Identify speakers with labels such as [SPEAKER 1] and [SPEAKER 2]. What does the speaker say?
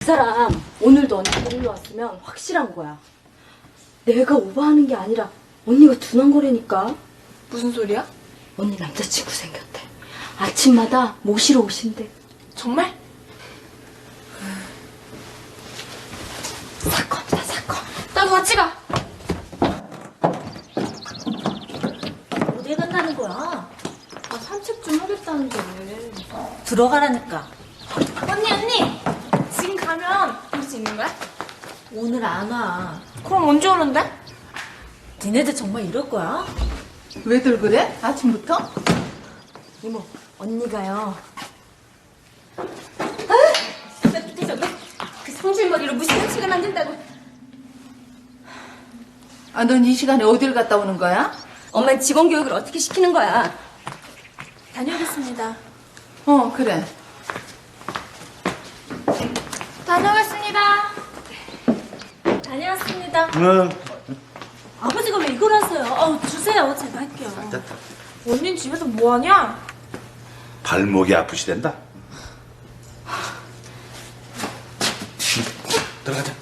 [SPEAKER 1] 그 사람 오늘도 언니 데리러 왔으면 확실한 거야. 내가 오버하는 게 아니라 언니가 둔한 거라니까.
[SPEAKER 2] 무슨 소리야?
[SPEAKER 1] 언니 남자친구 생겼대. 아침마다 모시러 오신대.
[SPEAKER 2] 정말?
[SPEAKER 1] 사건이다, 사건.
[SPEAKER 2] 나도 같이 가.
[SPEAKER 3] 어디 간다는 거야?
[SPEAKER 1] 아, 산책 좀 하겠다는데 왜.
[SPEAKER 3] 들어가라니까.
[SPEAKER 2] 언니! 지금 가면 볼 수 있는 거야?
[SPEAKER 3] 오늘 안 와.
[SPEAKER 2] 그럼 언제 오는데?
[SPEAKER 3] 니네들 정말 이럴 거야?
[SPEAKER 4] 왜들 그래? 아침부터?
[SPEAKER 1] 이모, 언니가요.
[SPEAKER 2] 그 성질머리로 무슨 현실을 만든다고.
[SPEAKER 4] 아, 넌 이 시간에 어딜 갔다 오는 거야?
[SPEAKER 2] 엄마는 직원 교육을 어떻게 시키는 거야? 다녀오겠습니다.
[SPEAKER 4] 그래.
[SPEAKER 2] 다녀오겠습니다. 다녀왔습니다.
[SPEAKER 3] 아버지가 왜 이걸 하세요? 주세요. 제가 할게요.
[SPEAKER 2] 언니는 집에서 뭐하냐?
[SPEAKER 5] 발목이 아프시댄다. 들어가자.